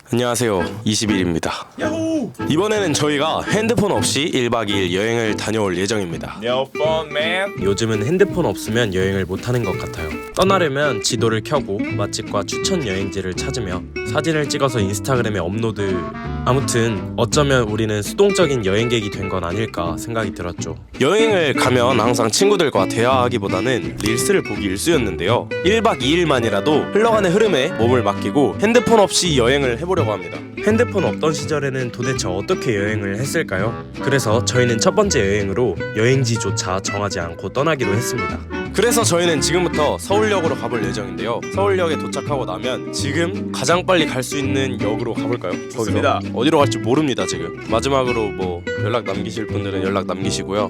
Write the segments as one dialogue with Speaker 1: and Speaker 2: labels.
Speaker 1: 안녕하세요, 20일입니다.
Speaker 2: 야호!
Speaker 1: 이번에는 저희가 핸드폰 없이 1박 2일 여행을 다녀올 예정입니다.
Speaker 2: No phone, man.
Speaker 1: 요즘은 핸드폰 없으면 여행을 못하는 것 같아요. 떠나려면 지도를 켜고 맛집과 추천 여행지를 찾으며 사진을 찍어서 인스타그램에 업로드. 아무튼 어쩌면 우리는 수동적인 여행객이 된 건 아닐까 생각이 들었죠. 여행을 가면 항상 친구들과 대화하기보다는 릴스를 보기 일쑤였는데요. 1박 2일만이라도 흘러가는 흐름에 몸을 맡기고 핸드폰 없이 여행을 해보려고 합니다. 핸드폰 없던 시절에는 도대체 어떻게 여행을 했을까요? 그래서 저희는 첫 번째 여행으로 여행지조차 정하지 않고 떠나기로 했습니다. 그래서 저희는 지금부터 서울역으로 가볼 예정인데요. 서울역에 도착하고 나면 지금 가장 빨리 갈 수 있는 역으로 가볼까요?
Speaker 2: 좋습니다.
Speaker 1: 거기서 어디로 갈지 모릅니다 지금. 마지막으로 뭐 연락 남기실 분들은 연락 남기시고요.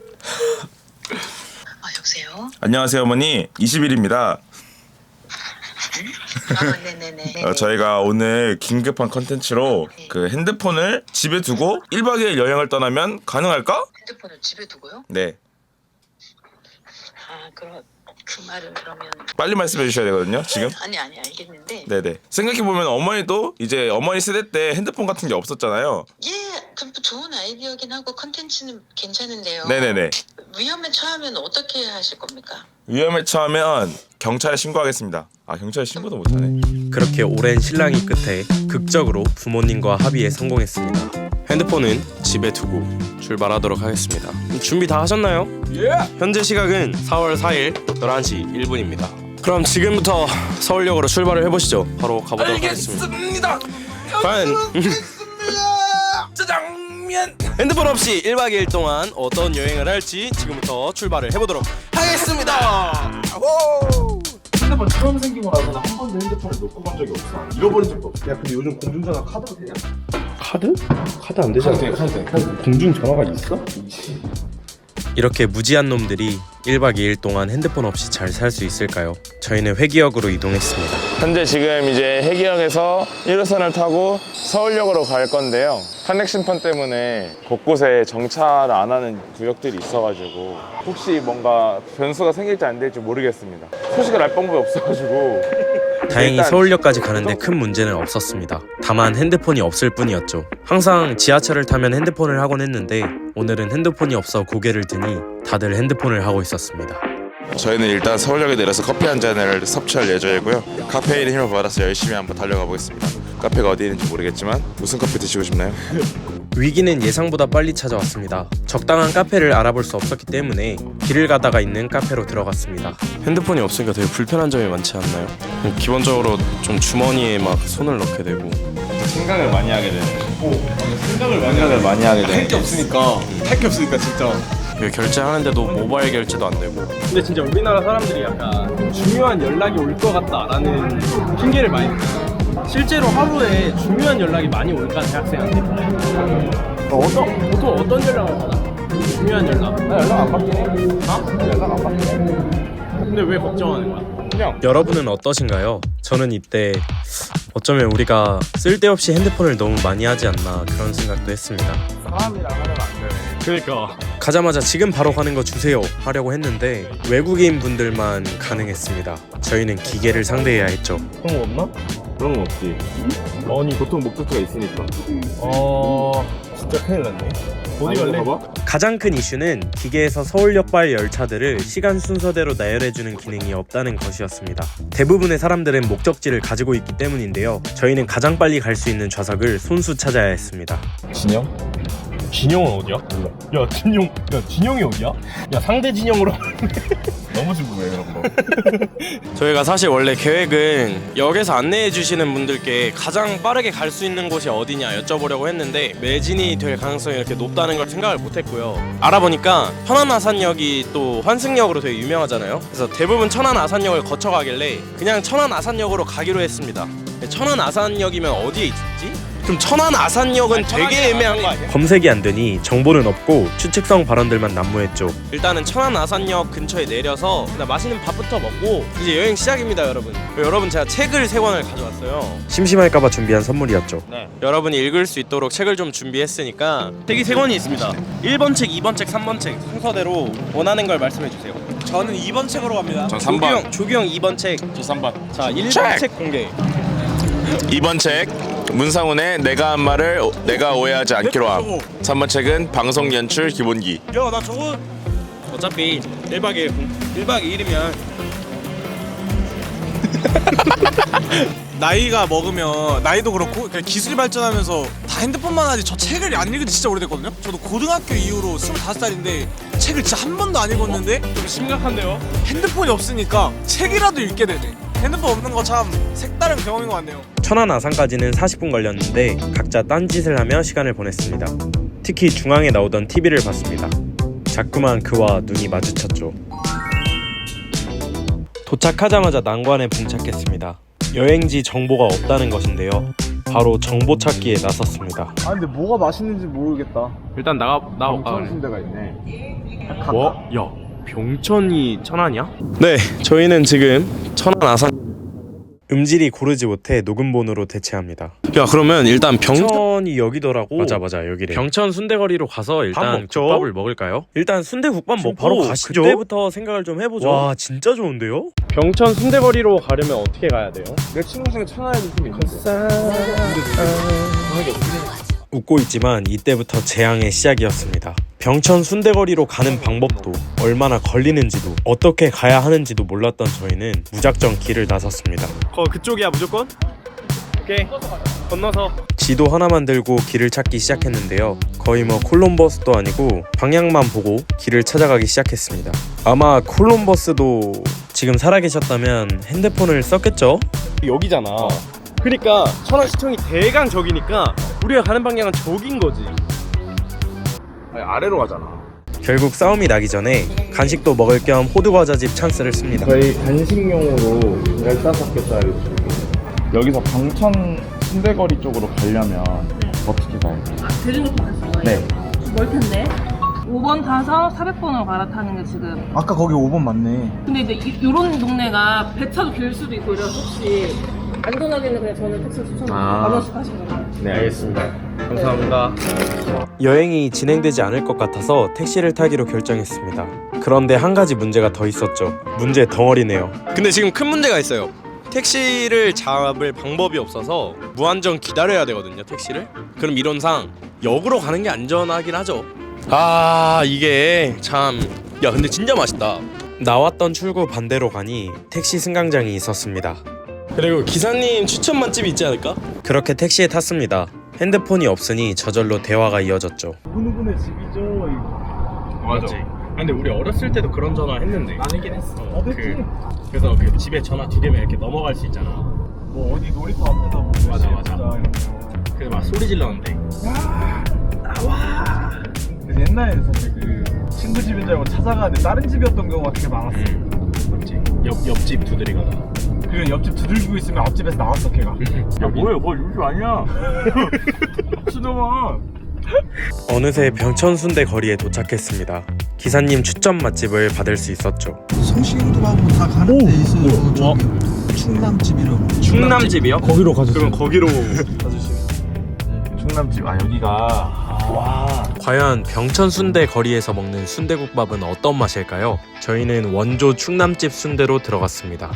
Speaker 3: 여보세요?
Speaker 2: 안녕하세요, 어머니. 20일입니다.
Speaker 3: 네네네.
Speaker 2: 저희가 오늘 긴급한 컨텐츠로 그 핸드폰을 집에 두고 1박 2일 여행을 떠나면 가능할까?
Speaker 3: 핸드폰을 집에 두고요?
Speaker 2: 네.
Speaker 3: 그 말은 그러면
Speaker 2: 빨리 말씀해 주셔야 되거든요, 지금.
Speaker 3: 아니 알겠는데.
Speaker 2: 네네. 생각해보면 어머니도 이제 어머니 세대 때 핸드폰 같은 게 없었잖아요.
Speaker 3: 예, 그 좋은 아이디어긴 하고 컨텐츠는 괜찮은데요.
Speaker 2: 네네네.
Speaker 3: 위험에 처하면 어떻게 하실 겁니까?
Speaker 2: 위험에 처하면 경찰에 신고하겠습니다. 아, 경찰에 신고도 못하네.
Speaker 1: 그렇게 오랜 실랑이 끝에 극적으로 부모님과 합의에 성공했습니다. 핸드폰은 집에 두고 출발하도록 하겠습니다. 준비 다 하셨나요?
Speaker 2: 예!
Speaker 1: 현재 시각은 4월 4일 11시 1분입니다. 그럼 지금부터 서울역으로 출발을 해보시죠. 바로 가보도록 하겠습니다. 과연
Speaker 2: 짜장면!
Speaker 1: 핸드폰 없이 1박 2일 동안 어떤 여행을 할지 지금부터 출발을 해보도록 하겠습니다.
Speaker 4: 핸드폰 처음 생기고 나서는 한 번도 핸드폰을 놓고 본 적이 없어. 잃어버린 적도 없어. 야, 근데 요즘 공중전화 카드도 되냐?
Speaker 1: 카드? 카드 안 되잖아.
Speaker 4: 카드 돼. 공중전화가 있어?
Speaker 1: 이렇게 무지한 놈들이 1박 2일 동안 핸드폰 없이 잘 살 수 있을까요? 저희는 회기역으로 이동했습니다.
Speaker 2: 현재 지금 이제 해기역에서 1호선을 타고 서울역으로 갈 건데요. 탄핵 심판 때문에 곳곳에 정차를 안 하는 구역들이 있어가지고 혹시 뭔가 변수가 생길지 안 될지 모르겠습니다. 소식을 알 방법이 없어가지고
Speaker 1: 다행히
Speaker 2: 일단
Speaker 1: 서울역까지 가는데 큰 문제는 없었습니다. 다만 핸드폰이 없을 뿐이었죠. 항상 지하철을 타면 핸드폰을 하곤 했는데 오늘은 핸드폰이 없어 고개를 드니 다들 핸드폰을 하고 있었습니다.
Speaker 2: 저희는 일단 서울역에 내려서 커피 한 잔을 섭취할 예정이고요. 카페인의 힘을 받아서 열심히 한번 달려가 보겠습니다. 카페가 어디 있는지 모르겠지만 무슨 커피 드시고 싶나요?
Speaker 1: 위기는 예상보다 빨리 찾아왔습니다. 적당한 카페를 알아볼 수 없었기 때문에 길을 가다가 있는 카페로 들어갔습니다. 핸드폰이 없으니까 되게 불편한 점이 많지 않나요? 기본적으로 좀 주머니에 막 손을 넣게 되고
Speaker 2: 생각을 많이 하게 되는.
Speaker 4: 생각을
Speaker 2: 많이 하게 되는.
Speaker 4: 할 게 없으니까 진짜.
Speaker 1: 이거 결제하는데도 모바일 결제도 안 되고.
Speaker 5: 근데 진짜 우리나라 사람들이 약간 중요한 연락이 올 것 같다라는 핑계를 많이 대요. 실제로 하루에 중요한 연락이 많이 올까 대학생한테? 보통 어떤 연락을 받아? 중요한 연락.
Speaker 4: 나 연락 안 받긴 해. 나 연락 안 받긴 해.
Speaker 5: 근데 왜 걱정하는 거야?
Speaker 1: 여러분은 어떠신가요? 저는 이때 어쩌면 우리가 쓸데없이 핸드폰을 너무 많이 하지 않나 그런 생각도 했습니다.
Speaker 5: 사람이랑 하면 안 되네. 그러니까.
Speaker 1: 가자마자 지금 바로 가는 거 주세요 하려고 했는데 외국인 분들만 가능했습니다. 저희는 기계를 상대해야 했죠.
Speaker 5: 그런 거 없나?
Speaker 4: 그런 건 없지.
Speaker 5: 아니
Speaker 4: 보통 목적지가 있으니까.
Speaker 5: 진짜 큰일 났네. 어디
Speaker 4: 아니,
Speaker 5: 갈래?
Speaker 4: 봐봐.
Speaker 1: 가장 큰 이슈는 기계에서 서울역발 열차들을 시간 순서대로 나열해주는 기능이 없다는 것이었습니다. 대부분의 사람들은 목적지를 가지고 있기 때문인데요. 저희는 가장 빨리 갈 수 있는 좌석을 손수 찾아야 했습니다.
Speaker 4: 진영?
Speaker 5: 진영은 어디야? 몰라. 진영이 어디야? 야, 상대 진영으로.
Speaker 4: 너무 궁금해 그런 거.
Speaker 1: 저희가 사실 원래 계획은 역에서 안내해 주시는 분들께 가장 빠르게 갈 수 있는 곳이 어디냐 여쭤보려고 했는데 매진이 될 가능성이 이렇게 높다는 걸 생각을 못했고요. 알아보니까 천안아산역이 또 환승역으로 되게 유명하잖아요. 그래서 대부분 천안아산역을 거쳐가길래 그냥 천안아산역으로 가기로 했습니다. 천안아산역이면 어디에 있지? 그럼 천안아산역은 되게 애매한 거 아니야? 검색이 안 되니 정보는 없고 추측성 발언들만 난무했죠. 일단은 천안아산역 근처에 내려서 그냥 맛있는 밥부터 먹고 이제 여행 시작입니다, 여러분. 여러분 제가 책을 3권을 가져왔어요. 심심할까봐 준비한 선물이었죠.
Speaker 5: 네.
Speaker 1: 여러분이 읽을 수 있도록 책을 좀 준비했으니까
Speaker 5: 책이 3권이 있습니다. 1번 책, 2번 책, 3번 책 순서대로 원하는 걸 말씀해 주세요.
Speaker 1: 저는 2번 책으로 갑니다.
Speaker 2: 전 3번.
Speaker 1: 조규형 2번 책.
Speaker 5: 저 3번.
Speaker 1: 자, 1번 책 공개.
Speaker 2: 2번 책 문상훈의 내가 한 말을 내가 오해하지 않기로 함. 3번 책은 방송 연출 기본기.
Speaker 5: 야, 나 저거 어차피 1박 2일 1박 2일이면
Speaker 6: 나이가 먹으면 나이도 그렇고 그냥 기술이 발전하면서 다 핸드폰만 하지 저 책을 안 읽은 지 진짜 오래됐거든요. 저도 고등학교 이후로 25살인데 책을 진짜 한 번도 안 읽었는데
Speaker 5: 좀 심각한데요?
Speaker 6: 핸드폰이 없으니까 책이라도 읽게 되네. 핸드폰 없는 거 참 색다른 경험인 것 같네요.
Speaker 1: 천안 아산까지는 40분 걸렸는데 각자 딴짓을 하며 시간을 보냈습니다. 특히 중앙에 나오던 TV를 봤습니다. 자꾸만 그와 눈이 마주쳤죠. 도착하자마자 난관에 봉착했습니다. 여행지 정보가 없다는 것인데요. 바로 정보 찾기에 나섰습니다.
Speaker 4: 아 근데 뭐가 맛있는지 모르겠다.
Speaker 5: 일단 나가
Speaker 4: 순대가 있네.
Speaker 1: 뭐? 야, 병천이 천안이야? 네, 저희는 지금 천안 아산 음질이 고르지 못해 녹음본으로 대체합니다. 야, 그러면 일단 병천이 여기더라고. 맞아 여기래. 병천 순대거리로 가서 일단 국밥을 먹을까요? 일단 순대국밥 먹고 바로 가시죠. 그때부터 생각을 좀 해보죠. 와, 진짜 좋은데요?
Speaker 5: 병천 순대거리로 가려면 어떻게 가야 돼요?
Speaker 4: 내 친구 중에 천안에 좀 있는데.
Speaker 1: 웃고 있지만 이때부터 재앙의 시작이었습니다. 병천 순대거리로 가는 방법도 얼마나 걸리는지도 어떻게 가야 하는지도 몰랐던 저희는 무작정 길을 나섰습니다.
Speaker 5: 그쪽이야 무조건? 오케이 건너서
Speaker 1: 지도 하나만 들고 길을 찾기 시작했는데요. 거의 뭐 콜럼버스도 아니고 방향만 보고 길을 찾아가기 시작했습니다. 아마 콜럼버스도 지금 살아계셨다면 핸드폰을 썼겠죠?
Speaker 5: 여기잖아. 그러니까 천안시청이 대강 저기니까 우리가 가는 방향은 저긴 거지.
Speaker 4: 아니, 아래로 가잖아.
Speaker 1: 결국 싸움이 나기 전에 간식도 먹을 겸 호두과자집 찬스를 씁니다.
Speaker 4: 저희 간식용으로 15개짜리 줄게요. 여기서 병천 순대거리 쪽으로 가려면 어떻게 가야 돼요?
Speaker 7: 대중교통 하신 거예요?
Speaker 4: 네.
Speaker 7: 멀 텐데. 5번 타서 400번으로 갈아타는 게 지금.
Speaker 6: 아까 거기 5번 맞네.
Speaker 7: 근데 이제 요런 동네가 배차도 길 수도 있고 이래서 혹시 안전하게는 그냥 저는 택시 추천드려요. 만 원씩 하시는 거예요.
Speaker 5: 네 알겠습니다. 감사합니다.
Speaker 1: 여행이 진행되지 않을 것 같아서 택시를 타기로 결정했습니다. 그런데 한 가지 문제가 더 있었죠. 문제 덩어리네요. 근데 지금 큰 문제가 있어요. 택시를 잡을 방법이 없어서 무한정 기다려야 되거든요, 택시를. 그럼 이론상 역으로 가는 게 안전하긴 하죠. 아, 이게 참... 야, 근데 진짜 맛있다. 나왔던 출구 반대로 가니 택시 승강장이 있었습니다. 그리고 기사님 추천 맛집이 있지 않을까? 그렇게 택시에 탔습니다. 핸드폰이 없으니 저절로 대화가 이어졌죠.
Speaker 4: 누구네 집이죠?
Speaker 5: 맞아. 근데 우리 어렸을 때도 그런 전화 했는데.
Speaker 6: 아니긴 했어.
Speaker 5: 그래서 그 집에 전화 2개면 이렇게 넘어갈 수 있잖아.
Speaker 4: 뭐 어디 놀이터 앞에서 뭐
Speaker 5: 맞아. 그래서 막 소리 질렀는데.
Speaker 4: 근데 옛날에는 사실 그 친구 집인 줄 알고 찾아가는데 다른 집이었던 경우가 되게 많았어.
Speaker 5: 맞지. 옆집 두드리거나.
Speaker 4: 그리고 옆집 두들기고 있으면 앞집에서 나왔어 걔가. 야 뭐야 뭐 요즘 아니야. 수동아.
Speaker 1: 어느새 병천순대 거리에 도착했습니다. 기사님 추천 맛집을 받을 수 있었죠.
Speaker 8: 성시경도하고 다 가는 데 있어요. 저기 충남집이라고.
Speaker 5: 충남집이요?
Speaker 4: 거기로 가주세요.
Speaker 5: 그럼 거기로
Speaker 4: 충남집 여기가 와.
Speaker 1: 과연 병천순대 거리에서 먹는 순대국밥은 어떤 맛일까요? 저희는 원조 충남집 순대로 들어갔습니다.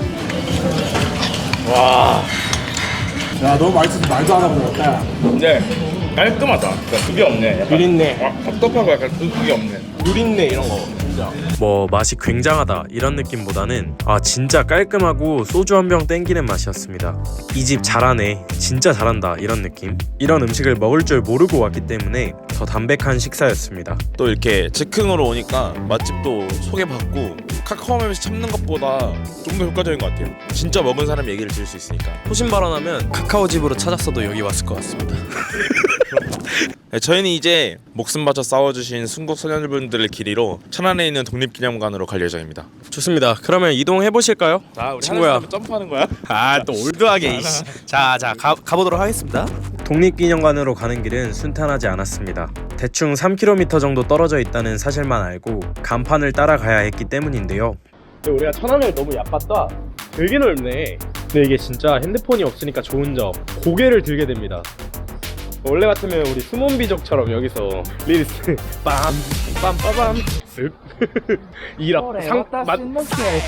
Speaker 4: 야 너무 맛있어서 말도 안 하고 먹었다.
Speaker 2: 근데 깔끔하다. 그러니까 그게 없네. 약간
Speaker 5: 누린내.
Speaker 2: 답답하고 약간 그게 없네.
Speaker 5: 누린내 이런 거 진짜.
Speaker 1: 뭐 맛이 굉장하다 이런 느낌보다는 아 진짜 깔끔하고 소주 한 병 땡기는 맛이었습니다. 이 집 잘하네, 진짜 잘한다 이런 느낌. 이런 음식을 먹을 줄 모르고 왔기 때문에 더 담백한 식사였습니다.
Speaker 2: 또 이렇게 즉흥으로 오니까 맛집도 소개받고 카카오맵에서 찾는 것보다 좀 더 효과적인 것 같아요. 진짜 먹은 사람 얘기를 들을 수 있으니까.
Speaker 1: 호신 발언하면 카카오집으로 찾았어도 여기 왔을 것 같습니다.
Speaker 2: 네, 저희는 이제 목숨 바쳐 싸워주신 순국 소녀분들의 길이로 천안에 있는 독립기념관으로 갈 예정입니다.
Speaker 1: 좋습니다. 그러면 이동해 보실까요?
Speaker 2: 자, 우리
Speaker 1: 친구야.
Speaker 2: 하늘에서 점프하는 거야?
Speaker 1: 아 또 올드하게. 자 가보도록 하겠습니다. 독립기념관으로 가는 길은 순탄하지 않았습니다. 대충 3km 정도 떨어져 있다는 사실만 알고 간판을 따라가야 했기 때문인데요.
Speaker 5: 근데 우리가 천안을 너무 얕봤다. 되게 넓네. 근데 이게 진짜 핸드폰이 없으니까 좋은 점, 고개를 들게 됩니다. 원래 같으면 우리 수몬비족처럼 여기서 리리스 빰빰빠밤 쓱 2학 상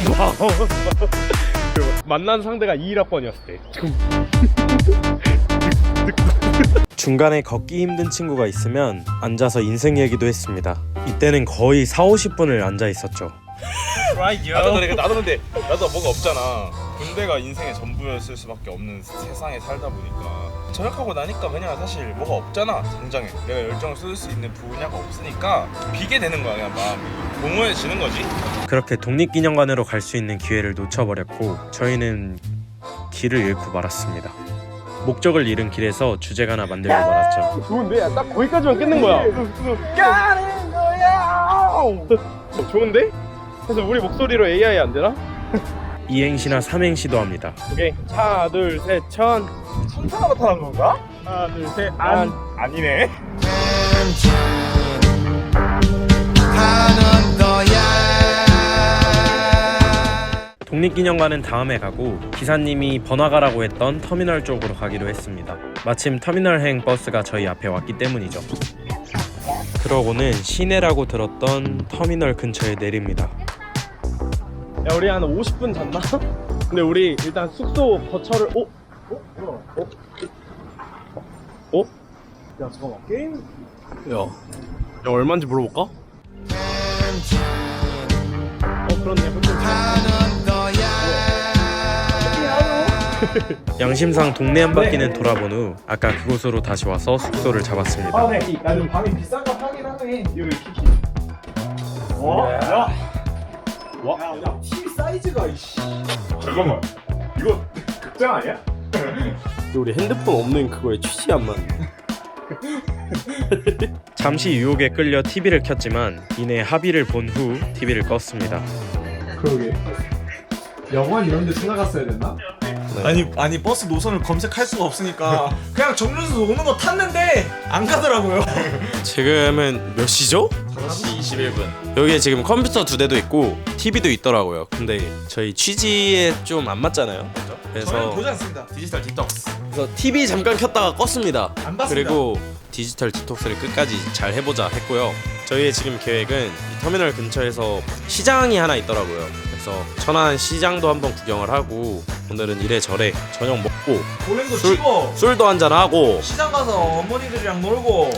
Speaker 5: 만난 상대가 2학번이었을 때
Speaker 1: 중간에 걷기 힘든 친구가 있으면 앉아서 인생 얘기도 했습니다. 이때는 거의 4-50분을 앉아 있었죠.
Speaker 4: 나도 근데 뭐가 없잖아. 군대가 인생의 전부였을 수밖에 없는 세상에 살다 보니까 전역하고 나니까 그냥 사실 뭐가 없잖아. 당장에 내가 열정을 쏟을 수 있는 분야가 없으니까 비게 되는 거야. 그냥 마음이 공허해지는 거지.
Speaker 1: 그렇게 독립기념관으로 갈 수 있는 기회를 놓쳐버렸고 저희는 길을 잃고 말았습니다. 목적을 잃은 길에서 주제가나 만들고 말았죠.
Speaker 5: 좋은데? 딱 거기까지만 끊는 거야. 가는 거야. 좋은데? 그래서 우리 목소리로 AI 안 되나?
Speaker 1: 이행시나 삼행시도 합니다.
Speaker 5: 오케이. 하나 둘 셋 천.
Speaker 4: 천사가 나타난 건가?
Speaker 5: 하나 둘 셋 안.
Speaker 4: 아니네.
Speaker 1: 독립기념관은 다음에 가고 기사님이 번화가라고 했던 터미널 쪽으로 가기로 했습니다. 마침 터미널행 버스가 저희 앞에 왔기 때문이죠. 그러고는 시내라고 들었던 터미널 근처에 내립니다.
Speaker 5: 야 우리 한 50분 잤나? 근데 우리 일단 숙소 거처를 야 잠깐만 게임 야 얼마인지 물어볼까? 그렇네.
Speaker 1: 양심상 동네 한 바퀴는 돌아본 후 아까 그곳으로 다시 와서 숙소를 잡았습니다.
Speaker 5: 야 좀 방이 비싼 거 하긴 하네. 여기 키키. 야 TV 사이즈가 이씨.
Speaker 4: 잠깐만. 이거 극장 아니야?
Speaker 5: 우리 핸드폰 없는 그거에 취지 안 맞네.
Speaker 1: 잠시 유혹에 끌려 TV를 켰지만 이내 합의를 본 후 TV를 껐습니다.
Speaker 8: 그러게. 영화 이런 데 찾아갔어야 됐나?
Speaker 6: 아니 버스 노선을 검색할 수가 없으니까 그냥 정류소 오는 거 탔는데 안 가더라고요.
Speaker 1: 지금은 몇 시죠?
Speaker 2: 5시 21분.
Speaker 1: 여기에 지금 컴퓨터 2대도 있고 TV도 있더라고요. 근데 저희 취지에 좀 안 맞잖아요.
Speaker 6: 저희는
Speaker 1: 그래서
Speaker 6: 보지 않습니다.
Speaker 2: 디지털 디톡스.
Speaker 1: TV 잠깐 켰다가 껐습니다.
Speaker 6: 안 봤습니다.
Speaker 1: 그리고 디지털 디톡스를 끝까지 잘 해보자 했고요. 저희의 지금 계획은 이 터미널 근처에서 시장이 하나 있더라고요. 그래서 천안 시장도 한번 구경을 하고 오늘은 이래저래 저녁 먹고
Speaker 6: 볼링도 치고
Speaker 1: 술도 한잔 하고
Speaker 6: 시장 가서 어머니들이랑 놀고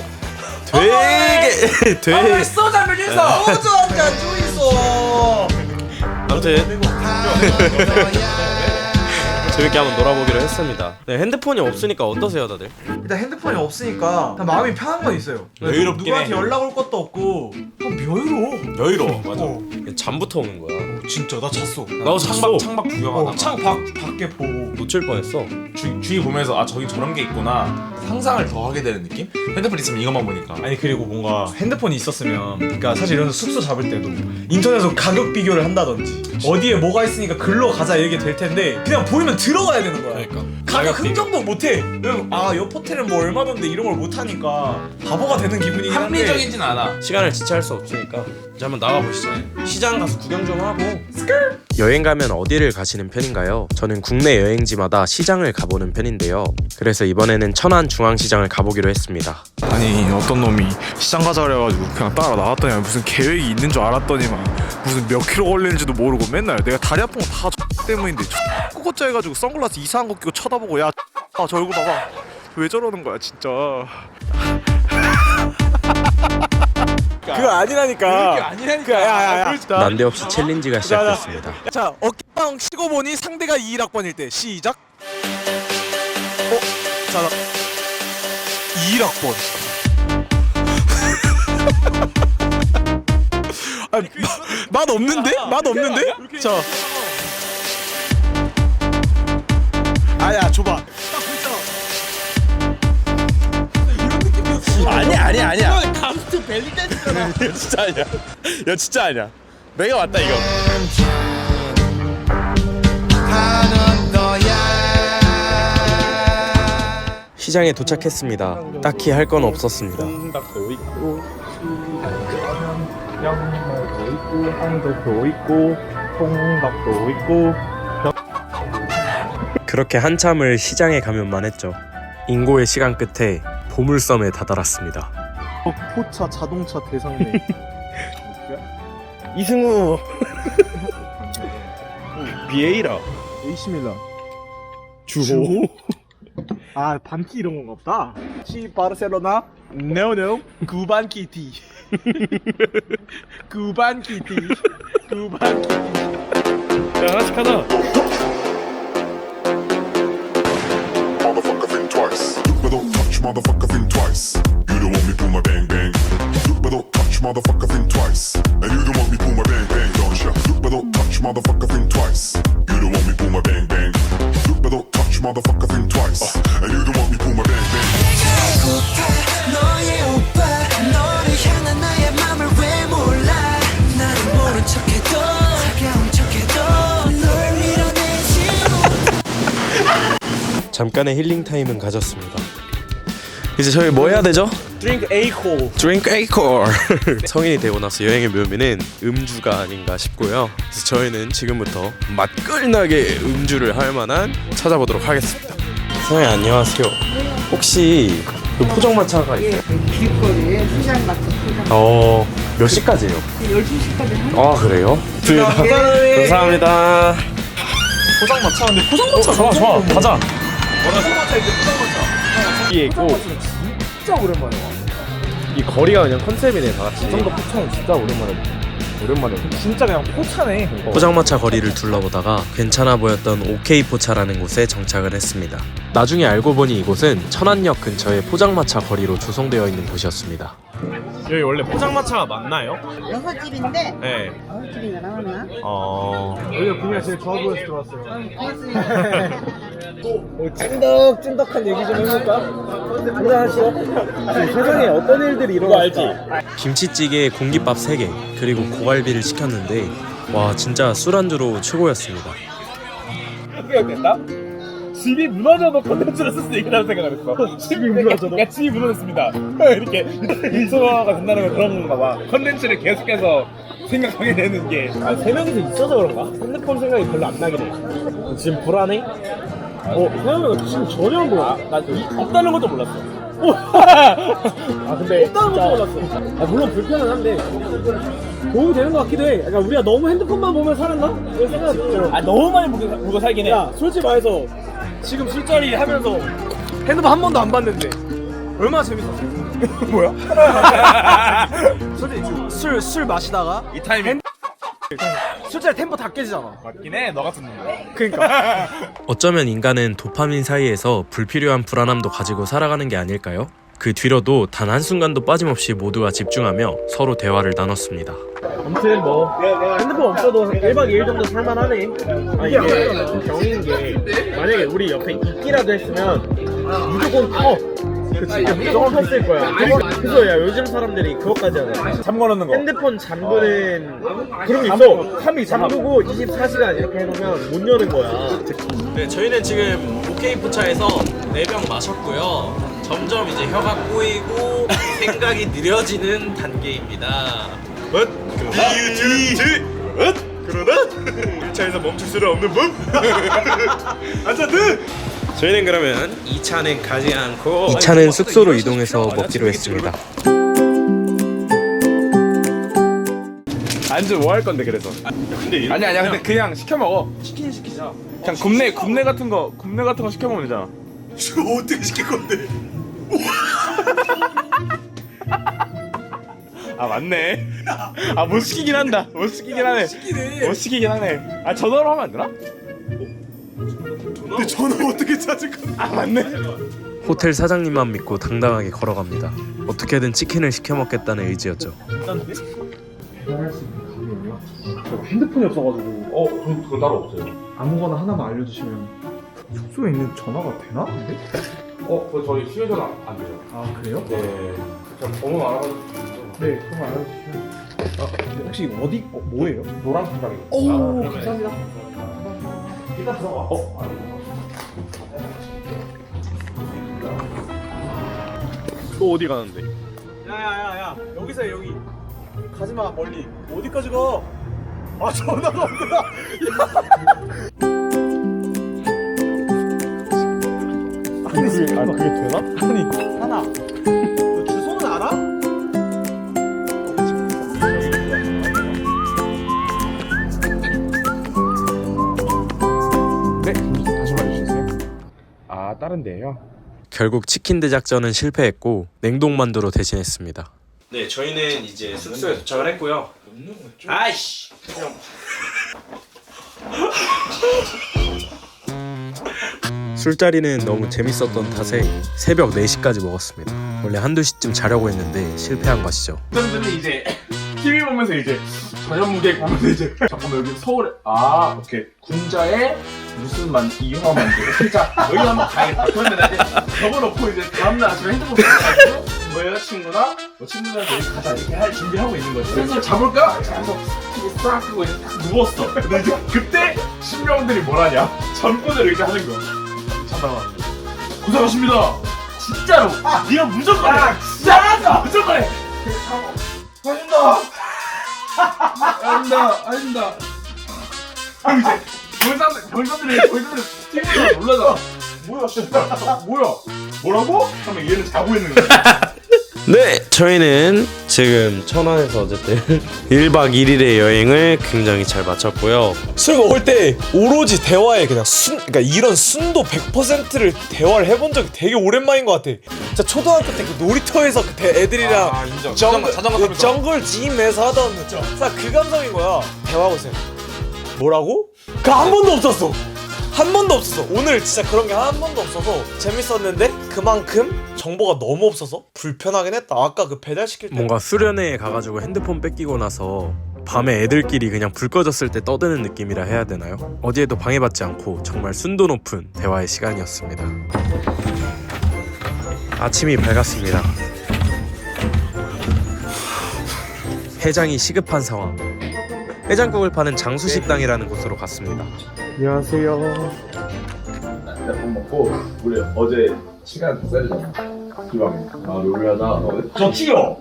Speaker 1: 되게
Speaker 6: 소주 한잔 주이소. 소주 한잔 주이소.
Speaker 1: 아무튼 재밌게 한번 놀아보기로 했습니다. 네, 핸드폰이 없으니까 어떠세요 다들?
Speaker 6: 일단 핸드폰이 없으니까 마음이 편한 건 있어요.
Speaker 2: 여유롭긴
Speaker 6: 누구한테
Speaker 2: 해.
Speaker 6: 연락 올 것도 없고 그냥 여유로워.
Speaker 2: 맞아.
Speaker 1: 잠부터 오는 거야.
Speaker 6: 진짜 나 잤어.
Speaker 1: 나도 잤어.
Speaker 2: 창밖 구경하다가
Speaker 6: 창 밖에 보고.
Speaker 1: 놓칠 뻔했어.
Speaker 2: 주위 보면서 아 저기 저런 게 있구나 상상을 더 하게 되는 느낌? 핸드폰 있으면 이것만 보니까.
Speaker 6: 아니 그리고 뭔가 핸드폰이 있었으면 그러니까 사실 이런 숙소 잡을 때도 인터넷으로 가격 비교를 한다든지 어디에 뭐가 있으니까 글로 가자 이게 될 텐데 그냥 보이면 들어가야 되는 거야.
Speaker 1: 그러니까
Speaker 6: 가격 흥정도 못해. 아옆 호텔은 뭐 얼마던데 이런 걸 못하니까 바보가 되는 기분이긴 한데
Speaker 2: 합리적이진 않아.
Speaker 1: 시간을 지체할 수 없으니까 이제 한번 나가보시죠. 시장 가서 구경 좀 하고. 여행 가면 어디를 가시는 편인가요? 저는 국내 여행지마다 시장을 가보는 편인데요. 그래서 이번에는 천안 중앙시장을 가보기로 했습니다.
Speaker 9: 아니 어떤 놈이 시장 가자 그래가지고 그냥 따라 나왔더니 무슨 계획이 있는 줄 알았더니만 무슨 몇 킬로 걸리는지도 모르고 맨날 내가 다리 아픈 거 다 때문인데 꼬꼬짜 해가지고 선글라스 이상한 거 끼고 쳐다보고 야 저 얼굴 봐봐 왜 저러는 거야 진짜.
Speaker 6: 그거 아니라니까. 야야야.
Speaker 1: 난데없이 챌린지가 시작됐습니다.
Speaker 6: 자 어깨빵 치고 보니 상대가 21학번일 때 시작. 자 21학번. 맛 없는데? 맛 없는데? 자. 아야 줘봐.
Speaker 2: 아니야. 감스트 벨리 댄스잖아. 이거 진짜 아니야. 이거 진짜 아니야. 내가 맞다 이거.
Speaker 1: 시장에 도착했습니다. 딱히 할 건 없었습니다.
Speaker 5: 콩닭도 있고 양말도 있고 황도도 있고 콩닭도 있고.
Speaker 1: 그렇게 한참을 시장에 가면만 했죠. 인고의 시간 끝에 보물섬에 다다랐습니다.
Speaker 5: 포차 자동차 대상네. 이승우. 비에이라. AC 밀란. 주호.
Speaker 6: 아 반키 이런 건가 보다. 시 바르셀로나 no no 구반 키티 구반 키티 구반 키티.
Speaker 5: 야 하나씩 하자.
Speaker 10: Motherfucker think twice. But don't touch motherfucker think twice. You don't want me pull my bang bang. But don't touch motherfucker think twice. And you don't want me pull my bang bang, don't ya? But don't touch motherfucker think twice. You don't want me pull my bang bang. But don't touch motherfucker think twice. And you don't want me pull my bang bang.
Speaker 8: 너의 오빠 너를 향한 나의 맘을 왜 몰라 나는 모른 척해도 차가운 척해도 널 밀어내지
Speaker 1: 잠깐의 힐링 타임은 가졌습니다. 이제 저희 뭐 해야 되죠?
Speaker 5: Drink A-core.
Speaker 1: Drink A-core. 성인이 되고 나서 여행의 묘미는 음주가 아닌가 싶고요. 그래서 저희는 지금부터 맛끌나게 음주를 할 만한 찾아보도록 하겠습니다. 선생님 안녕하세요. 혹시 그 포장마차가 있어요?
Speaker 11: 길거리에 포장마차 포장.
Speaker 1: 몇 시까지예요?
Speaker 11: 12시까지
Speaker 1: 아 그래요? 감사합니다.
Speaker 6: 포장마차. 근데 포장마차 좋아 가자.
Speaker 5: 여기에 있고
Speaker 6: 진짜 오랜만에 와.
Speaker 5: 이 거리가 그냥 컨셉이네 다 같이.
Speaker 6: 정도 포차는 진짜 오랜만에. 진짜 그냥 포차네.
Speaker 1: 포장마차 거리를 둘러보다가 괜찮아 보였던 OK 포차라는 곳에 정착을 했습니다. 나중에 알고 보니 이곳은 천안역 근처의 포장마차 거리로 조성되어 있는 곳이었습니다.
Speaker 5: 여기 원래 포장마차가 맞나요?
Speaker 11: 여섯 집인데
Speaker 5: 네.
Speaker 11: 여섯 집인가 나오나?
Speaker 6: 여기가 분위기가 제일 좋아 보여서 들어왔어요.
Speaker 5: 찐덕찐덕한 얘기 좀 해볼까? 한잔하시죠. 세상에 어떤 일들이 일어날까?
Speaker 1: 김치찌개에 공깃밥 3개 그리고 고갈비를 시켰는데 와 진짜 술안주로 최고였습니다.
Speaker 6: 됐다? 집이 무너져도 콘텐츠를 쓸 수 있다는 생각을 했어. 집이 무너져도? 야 집이 무너졌습니다. 이렇게 인소가 된다는 건 그런 건가 봐. 콘텐츠를 계속해서 생각하게 되는 게.
Speaker 5: 아, 3명이서 있어서 그런가? 핸드폰 생각이 별로 안 나긴 해. 지금 불안해? 생각보다 지금 전혀 안 보여. 나 없다는 것도 몰랐어. 아 근데 없다는 것도 몰랐어. 아, 물론 불편은 한데 도움이 되는 것 같기도 해. 그러니까 우리가 너무 핸드폰만 보면 살았나? 이런 생각이 들어. 아 너무 많이 보고 살긴 해. 야 솔직히 말해서 지금 술자리 하면서 핸드폰 한 번도 안 봤는데 얼마나 재밌었어.
Speaker 6: 뭐야?
Speaker 5: 솔직히 술 마시다가
Speaker 6: 이 타이밍
Speaker 5: 술자리 템포 다 깨지잖아.
Speaker 6: 맞긴 해. 너 같은 놈.
Speaker 5: 그러니까
Speaker 1: 어쩌면 인간은 도파민 사이에서 불필요한 불안함도 가지고 살아가는 게 아닐까요? 그 뒤로도 단 한순간도 빠짐없이 모두가 집중하며 서로 대화를 나눴습니다.
Speaker 5: 아무튼 뭐 핸드폰 없어도 1박 2일 정도 살만하네. 아 이게 병인 게 만약에 우리 옆에 있기라도 했으면 무조건 그치 무조건 탔을 거야. 그래서 야 요즘 사람들이 그것까지 하잖아.
Speaker 6: 잠궈 놓는 거.
Speaker 5: 핸드폰 잠그는 그런 게 있어. 3일 잠그고 24시간 이렇게 해놓으면 못 여는 거야. 네 저희는 지금 OK 포차에서 4병 마셨고요. 점점 이제 혀가 꼬이고 생각이 느려지는 단계입니다.
Speaker 6: 그러나 1차에서 멈출 수는 없는 법. 안차드.
Speaker 1: 저희는 그러면 2차는 가지 않고 2차는 숙소로 이동해서 먹기로 했습니다.
Speaker 2: 안주 뭐 할 건데 그래서? 아니야 근데 그냥 시켜 먹어.
Speaker 5: 치킨 시키자.
Speaker 2: 그냥 굽네 같은 거 시켜 먹으면 되잖아.
Speaker 6: 이거 어떻게 시킬 건데?
Speaker 2: 아 맞네. 아 못 시키긴 한다. 못 시키긴 하네. 못 시키긴 하네. 아 전화로 하면 안 되나?
Speaker 6: 근데 전화 어떻게 찾을 건데?
Speaker 2: 아 맞네.
Speaker 1: 호텔 사장님만 믿고 당당하게 걸어갑니다. 어떻게든 치킨을 시켜 먹겠다는 의지였죠.
Speaker 6: 핸드폰이 없어가지고.
Speaker 2: 그거 따로 없어요.
Speaker 6: 아무거나 하나만 알려주시면. 숙소에 있는 전화가 되나? 근데?
Speaker 2: 그거 저희 휴대전화 안 되죠.
Speaker 6: 아 그래요?
Speaker 2: 네. 그냥 번호 알아가지고.
Speaker 6: 네, 그럼 알려주시면. 근데 혹시 이거 어디 뭐예요?
Speaker 2: 노란 색깔이.
Speaker 6: 오, 감사합니다.
Speaker 2: 일단 들어가.
Speaker 5: 또 어디 가는데?
Speaker 6: 야야야야, 여기서 여기. 가지마 멀리. 어디까지 가? 아 전화가 없구나.
Speaker 5: 그게 되나?
Speaker 6: 아니 하나. 너 주소는 알아?
Speaker 2: 네, 다시 말해주세요. 아 다른 데요?
Speaker 1: 결국 치킨 대작전은 실패했고 냉동만두로 대신했습니다. 네, 저희는 이제 숙소에 도착을 했고요. 아이씨. 술자리는 너무 재밌었던 탓에 새벽 4시까지 먹었습니다. 원래 한두 시쯤 자려고 했는데 실패한 것이죠.
Speaker 6: 어떤 이제 TV 보면서 이제 저녁 무객 보면서 이제 잠깐만 여기 서울에 오케이 군자에 무슨 이화 만두 진짜 여기 한번 가야겠다. 그러면 이제 적어놓고 이제 다음날 아침에 핸드폰 가지고 뭐 여자친구나 뭐 친구들한테 여기 가자 이렇게 할 준비하고 있는 거지. 그래서 잡을까? 그래서 TV 싹 끄고 이제 딱 누웠어. 근데 이제 그때 신병들이 뭐라냐? 전권을 이렇게 하는 거. 잠깐만. 고생하십니다. 진짜로. 네가 무조건 해. 진짜 무조건 해. 아닙니다. 그럼 이제 벌써들이 TV에서 놀라잖아. 뭐야, 씨발. 뭐야? 뭐라고? 하면 얘는 자고 있는 거야.
Speaker 1: 네, 저희는 지금 천안에서 어쨌든 1박 2일의 여행을 굉장히 잘 마쳤고요.
Speaker 9: 술 먹을 때 오로지 대화에 그냥 그러니까 이런 순도 100%를 대화를 해본 적이 되게 오랜만인 것 같아. 진짜 초등학교 때 그 놀이터에서 그 애들이랑
Speaker 4: 인정.
Speaker 9: 자전거
Speaker 4: 타면서.
Speaker 9: 정글 짐에서 하던 그 감성인 거야. 대화하고 있어요. 뭐라고? 그 한 번도 없었어. 한 번도 없었어. 오늘 진짜 그런 게 한 번도 없어서 재밌었는데 그만큼 정보가 너무 없어서 불편하긴 했다. 아까 그 배달시킬 때
Speaker 1: 뭔가 수련회에 가가지고 핸드폰 뺏기고 나서 밤에 애들끼리 그냥 불 꺼졌을 때 떠드는 느낌이라 해야 되나요? 어디에도 방해받지 않고 정말 순도 높은 대화의 시간이었습니다. 아침이 밝았습니다. 해장이 시급한 상황. 해장국을 파는 장수식당이라는 곳으로 갔습니다. 안녕하세요.
Speaker 6: 밥 먹고 우리 어제 시간 다 써야잖아. 기왕에. 롤하다. 저 튀어.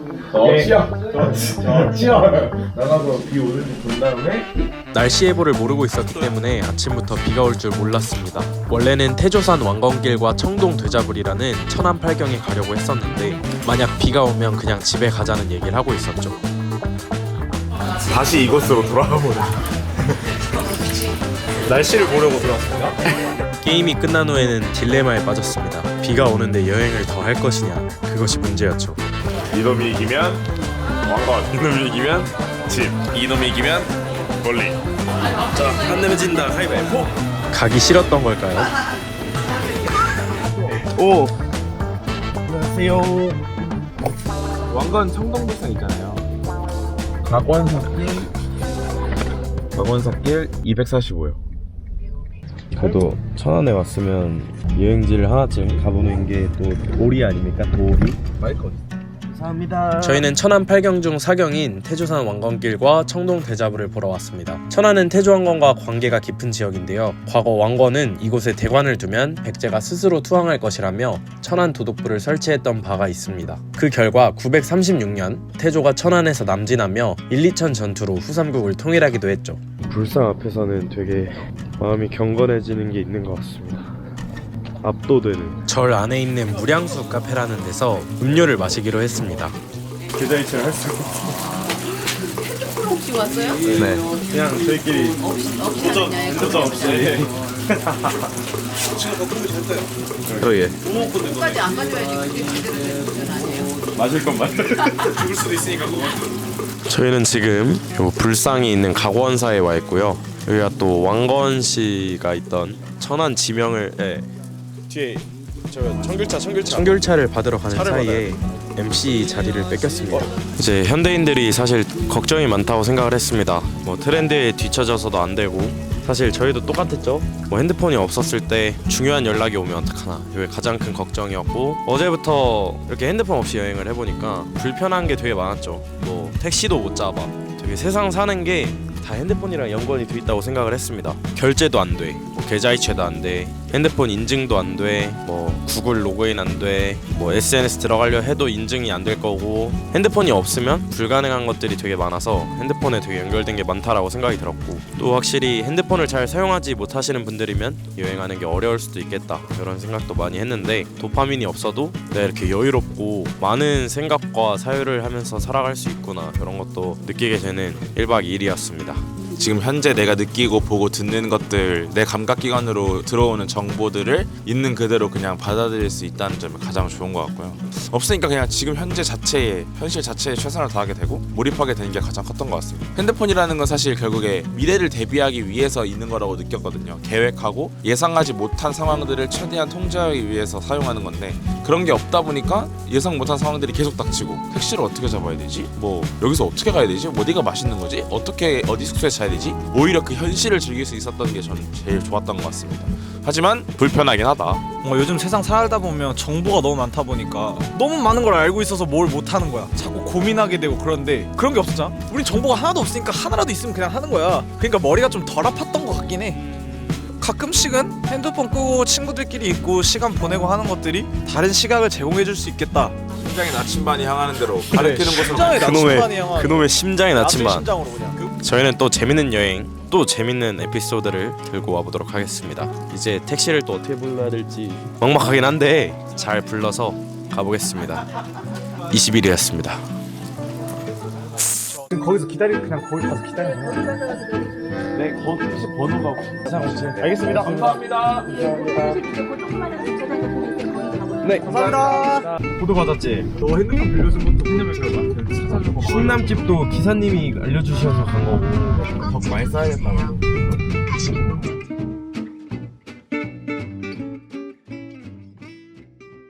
Speaker 6: 나가서 비 오는지 본 다음에
Speaker 1: 날씨 예보를 모르고 있었기 때문에 아침부터 비가 올 줄 몰랐습니다. 원래는 태조산 왕건길과 청동 되자불이라는 천안 팔경에 가려고 했었는데 만약 비가 오면 그냥 집에 가자는 얘기를 하고 있었죠.
Speaker 9: 다시 이곳으로 돌아가보자. 날씨를 보려고 들어왔습니다.
Speaker 1: 게임이 끝난 후에는 딜레마에 빠졌습니다. 비가 오는데 여행을 더 할 것이냐, 그것이 문제였죠.
Speaker 2: 이놈이 이기면 왕건, 이놈이 이기면 집, 이놈이 이기면 멀리.
Speaker 1: 자, 안 내면 진다. 가위바위보. 가기 싫었던 걸까요?
Speaker 6: 오. 안녕하세요. 왕건 청동도성 있잖아요. 박원사길 245요.
Speaker 1: 그래도 천안에 왔으면 여행지를 하나쯤 가보는 게 또 도리 아닙니까? 도리?
Speaker 6: 마이크 어디? 감사합니다.
Speaker 1: 저희는 천안 8경 중 4경인 태조산 왕건길과 청동 대자불을 보러 왔습니다. 천안은 태조왕건과 관계가 깊은 지역인데요. 과거 왕건은 이곳에 대관을 두면 백제가 스스로 투항할 것이라며 천안 도독부를 설치했던 바가 있습니다. 그 결과 936년 태조가 천안에서 남진하며 1, 2천 전투로 후삼국을 통일하기도 했죠. 불상 앞에서는 되게 마음이 경건해지는 게 있는 것 같습니다. 압도되는. 절 안에 있는 무량수 카페라는 데서 음료를 마시기로 했습니다.
Speaker 2: 계좌이체를 할 수 있어.
Speaker 7: 혹시 왔어요?
Speaker 1: 네.
Speaker 2: 그냥 저희끼리
Speaker 7: 도전
Speaker 2: 없이.
Speaker 1: 예.
Speaker 7: 끝까지 안 가져야지 그게 제대로 된 도전 아니에요.
Speaker 2: 마실 건 마셔.
Speaker 4: 죽을 수도 있으니까 그거.
Speaker 1: 저희는 지금 요 불상이 있는 각원사에 와 있고요. 여기가 또 왕건 씨가 있던 천안 지명을
Speaker 9: 뒤에 저
Speaker 1: 청귤차를 받으러 가는 사이에 MC 자리를 뺏겼습니다. 이제 현대인들이 사실 걱정이 많다고 생각을 했습니다. 뭐 트렌드에 뒤처져서도 안 되고 사실 저희도 똑같았죠. 뭐 핸드폰이 없었을 때 중요한 연락이 오면 어떡하나 이게 가장 큰 걱정이었고 어제부터 이렇게 핸드폰 없이 여행을 해보니까 불편한 게 되게 많았죠. 뭐 택시도 못 잡아. 되게 세상 사는 게 다 핸드폰이랑 연관이 돼 있다고 생각을 했습니다. 결제도 안 돼, 뭐 계좌이체도 안 돼, 핸드폰 인증도 안 돼, 뭐 구글 로그인 안 돼, 뭐 SNS 들어가려 해도 인증이 안 될 거고 핸드폰이 없으면 불가능한 것들이 되게 많아서 핸드폰에 되게 연결된 게 많다라고 생각이 들었고 또 확실히 핸드폰을 잘 사용하지 못하시는 분들이면 여행하는 게 어려울 수도 있겠다 이런 생각도 많이 했는데 도파민이 없어도 내가 이렇게 여유롭고 많은 생각과 사유를 하면서 살아갈 수 있구나 이런 것도 느끼게 되는 1박 2일이었습니다.
Speaker 2: 지금 현재 내가 느끼고 보고 듣는 것들, 내 감각기관으로 들어오는 정보들을 있는 그대로 그냥 받아들일 수 있다는 점이 가장 좋은 것 같고요. 없으니까 그냥 지금 현재 자체에, 현실 자체에 최선을 다하게 되고 몰입하게 되는 게 가장 컸던 것 같습니다. 핸드폰이라는 건 사실 결국에 미래를 대비하기 위해서 있는 거라고 느꼈거든요. 계획하고 예상하지 못한 상황들을 최대한 통제하기 위해서 사용하는 건데, 그런 게 없다 보니까 예상 못한 상황들이 계속 닥치고, 택시를 어떻게 잡아야 되지? 뭐 여기서 어떻게 가야 되지? 어디가 맛있는 거지? 어떻게 어디 숙소에 자야 되지? 오히려 그 현실을 즐길 수 있었던 게 저는 제일 좋았던 것 같습니다. 하지만 불편하긴 하다.
Speaker 9: 뭔가 요즘 세상 살다 보면 정보가 너무 많다 보니까 너무 많은 걸 알고 있어서 뭘 못하는 거야. 자꾸 고민하게 되고. 그런데 그런 게 없었잖아. 우린 정보가 하나도 없으니까 하나라도 있으면 그냥 하는 거야. 그러니까 머리가 좀 덜 아팠던 것 같긴 해. 가끔씩은 핸드폰 끄고 친구들끼리 있고 시간 보내고 하는 것들이 다른 시각을 제공해 줄 수 있겠다.
Speaker 2: 심장의 나침반이 향하는 대로 가리키는 곳으로
Speaker 9: 심장의 나침반이 향한
Speaker 1: 그놈의 심장의 나침반.
Speaker 9: 심장으로 그냥.
Speaker 1: 저희는 또 재밌는 여행, 또 재밌는 에피소드를 들고 와보도록 하겠습니다. 이제 택시를 또 어떻게 불러야 될지 막막하긴 한데 잘 불러서 가보겠습니다. 20일이었습니다.
Speaker 6: 거기서 그냥 거기 가서 기다리면 네, 택시 번호가 알겠습니다. 감사합니다. 네, 감사합니다.
Speaker 5: 보도 받았지? 너 핸드폰 빌려준 것도 팬념에서 찾아주고 충남집도 기사님이 알려주셔서 간 거고 더 많이 써야겠다고.